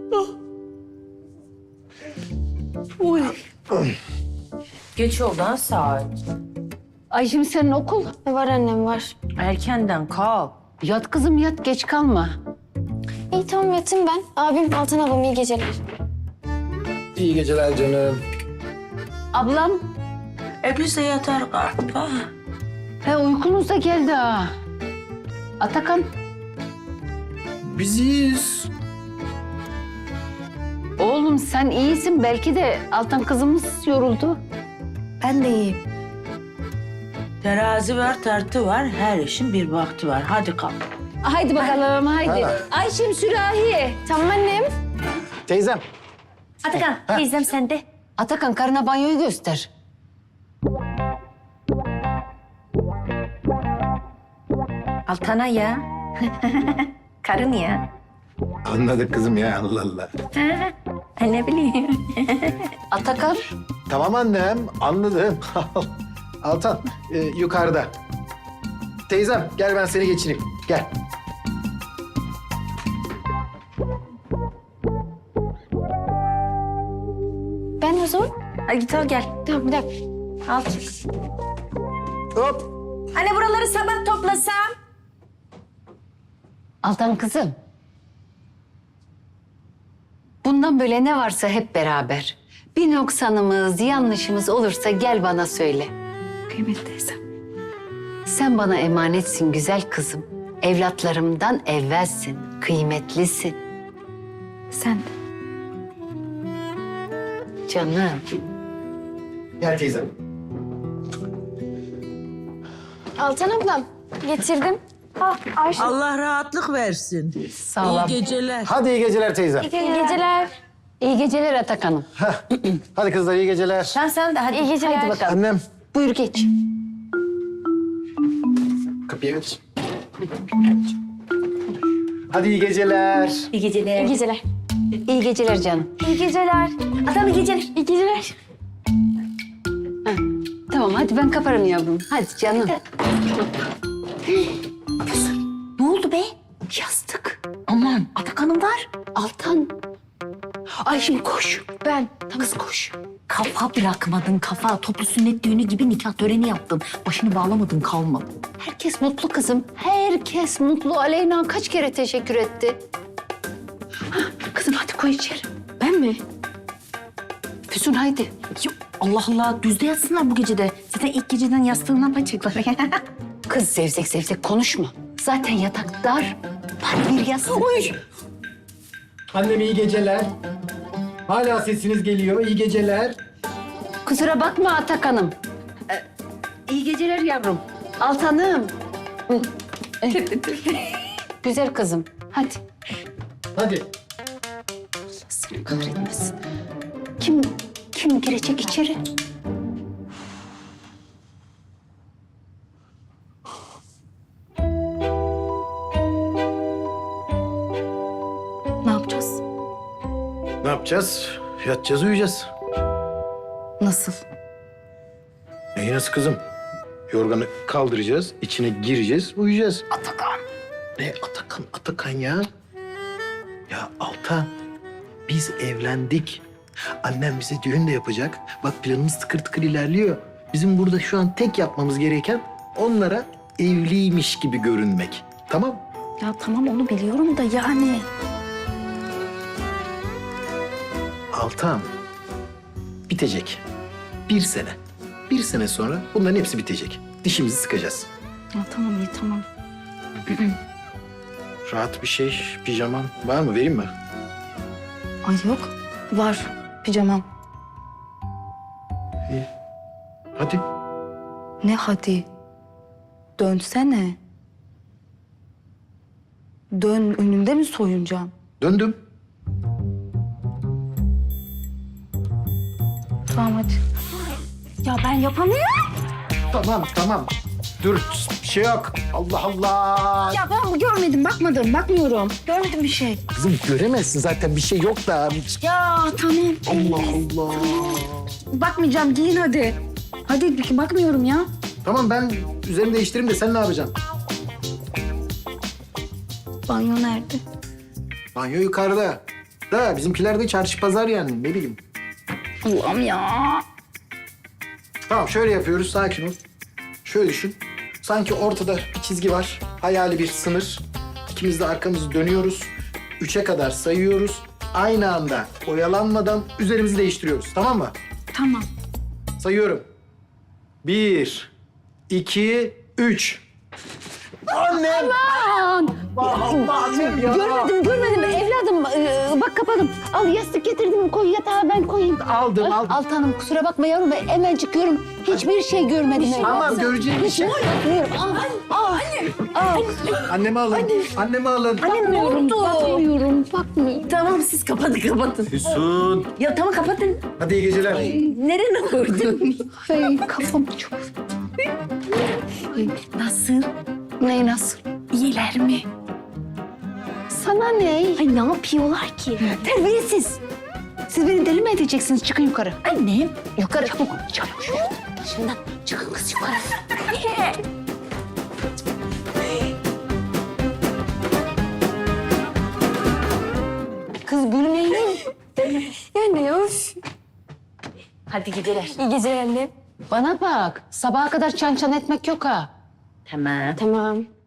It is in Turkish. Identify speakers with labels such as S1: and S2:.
S1: Uy.
S2: Geç oldu ha saat.
S1: Ay şimdi senin okul.
S3: Var annem var.
S2: Erkenden kalk.
S1: Yat kızım yat, geç kalma.
S3: İyi tamam yatayım ben. Abim Altan ablam iyi geceler.
S4: İyi geceler canım.
S1: Ablam,
S2: Biz de yatar kalk. Ha.
S1: uykunuz da geldi ha. Atakan,
S4: Biz iyiyiz.
S1: oğlum sen iyisin. Belki de Altan kızımız yoruldu.
S3: Ben de iyiyim.
S2: Terazi var, tartı var. Her işin bir vakti var. Hadi kalk.
S1: Haydi bakalım, haydi. Ayşem sürahi.
S3: Tamam annem.
S4: Teyzem.
S2: Atakan, teyzem sende.
S1: Atakan karına banyoyu göster.
S2: Altana ya. Karın ya.
S4: Anladık kızım ya, Allah Allah.
S2: Ne bileyim.
S1: Atakan,
S4: Tamam annem, anladım. Altan, yukarıda. Teyzem, gel ben seni geçireyim. Gel.
S3: Ben o zaman.
S2: Hadi git al gel.
S3: Tamam bir dakika.
S2: Al çık.
S4: Hop.
S2: Anne buraları sabah toplasam.
S1: Altan kızım. Bundan böyle ne varsa hep beraber. Bir noksanımız, yanlışımız olursa gel bana söyle.
S3: Kıymetli teyzem.
S1: Sen bana emanetsin güzel kızım. Evlatlarımdan evvelsin, kıymetlisin.
S3: Sen de.
S1: Canım.
S4: Gel teyzem.
S3: Altan ablam getirdim. Ayşe.
S5: Allah rahatlık versin.
S1: Sağ ol.
S5: İyi geceler.
S4: Hadi iyi geceler teyzem.
S3: İyi geceler.
S1: İyi geceler Atakan'ım.
S4: Hadi kızlar, iyi geceler.
S2: Sen de hadi.
S3: İyi geceler.
S1: Haydi bakalım.
S4: Annem,
S1: Buyur geç.
S4: kapıya geç. Hadi iyi geceler.
S2: İyi geceler.
S3: İyi geceler.
S1: İyi geceler canım.
S3: İyi geceler.
S2: Adam iyi geceler.
S3: İyi geceler.
S1: Tamam hadi ben kaparım yavrum. Hadi canım.
S2: Ne oldu be?
S1: Yastık.
S2: Aman Atakan'ım var.
S1: Altan. Ay şimdi koş.
S3: Ben.
S1: Kız koş.
S2: Kafa bırakmadın kafa. Toplu sünnet düğünü gibi nikah töreni yaptın. Başını bağlamadın kalmadı.
S1: Herkes mutlu kızım. Herkes mutlu. Aleyna kaç kere teşekkür etti. Hah, kızım hadi koy içeri.
S3: Ben mi?
S1: Füsun haydi.
S2: Yok, Allah Allah düzde yatsınlar bu gecede. Zaten ilk geceden yastığından yapacaklar.
S1: Kız zevzek zevzek konuşma. Zaten yatak dar. Var bir yastık.
S4: Annem iyi geceler. Hala sesiniz geliyor, iyi geceler.
S1: Kusura bakma Atakan'ım. İyi geceler yavrum. Altan'ım. Güzel kızım. Hadi.
S4: Hadi.
S1: Seni kahretmesin. Kim girecek içeri?
S3: Ne yapacağız?
S4: Ne yapacağız? Yatacağız, uyuyacağız.
S3: Nasıl?
S4: Neyi nasıl kızım? Yorganı kaldıracağız, içine gireceğiz, uyuyacağız. Atakan. Ne Atakan, Atakan ya? Ya Altan, biz evlendik. Annem bize düğün de yapacak. Bak planımız tıkır tıkır ilerliyor. Bizim burada şu an tek yapmamız gereken onlara evliymiş gibi görünmek. Tamam?
S3: Ya tamam onu biliyorum da yani.
S4: Altan, bitecek. 1 sene. 1 sene sonra bunların hepsi bitecek. Dişimizi sıkacağız.
S3: Ya tamam iyi tamam.
S4: Rahat bir şey, pijaman var mı? Vereyim mi?
S3: Ay yok. Var. Pijamam.
S4: İyi. Hadi.
S3: Ne hadi? Dönsene. Dön önünde mi soyunacağım?
S4: Döndüm.
S3: Tamam hadi. Ya ben yapamıyorum.
S4: Tamam. Dur, bir şey yok. Allah Allah.
S3: Ya ben görmedim, bakmıyorum. Görmedim bir şey.
S4: Kızım göremezsin zaten, bir şey yok da.
S3: Ya tamam.
S4: Allah Allah.
S3: Bakmayacağım, giyin hadi. Hadi bakmıyorum ya.
S4: Tamam, ben üzerimi değiştireyim de sen ne yapacaksın?
S3: Banyo nerede?
S4: Banyo yukarıda. da bizimkiler de çarşı pazar yani ne bileyim.
S1: Allah'ım ya.
S4: Tamam şöyle yapıyoruz sakin ol. Şöyle düşün. Sanki ortada bir çizgi var. Hayali bir sınır. İkimiz de arkamızı dönüyoruz. 3'e kadar sayıyoruz. Aynı anda oyalanmadan üzerimizi değiştiriyoruz. Tamam mı?
S3: Tamam.
S4: Sayıyorum. 1, 2, 3. Annem! Annem ya!
S1: Görmedim evladım. Bak kapadım. Al yastık getirdim koy yatağa ben koyayım.
S4: Aldım.
S1: Altan Hanım kusura bakma yavrum ben hemen çıkıyorum. Hiçbir şey görmedim.
S4: Tamam göreceğim bir şey.
S1: Bakmıyorum. Al.
S4: Annemi alın. Annemi alın.
S2: Ne oldu?
S1: Bakmıyorum.
S2: Tamam siz kapatın.
S4: Füsun.
S2: Ya tamam kapatın.
S4: Hadi iyi geceler.
S2: Nereye koydun?
S1: Ay kafam çok.
S2: Nasıl?
S1: Ne nasıl?
S2: İyiler mi?
S1: Sana ne?
S2: Ay ne yapıyorlar ki?
S1: Terbiyesiz. Siz beni deli mi edeceksiniz? Çıkın yukarı.
S2: Annem.
S1: Yukarı çabuk. Çabuk. Başından çıkın kız yukarı. Kız gülmeyin.
S3: Yani of.
S2: Hadi gidelim.
S3: İyi geceler anne.
S1: Bana bak. Sabaha kadar çan çan etmek yok ha.
S2: Tamam.
S3: Tamam.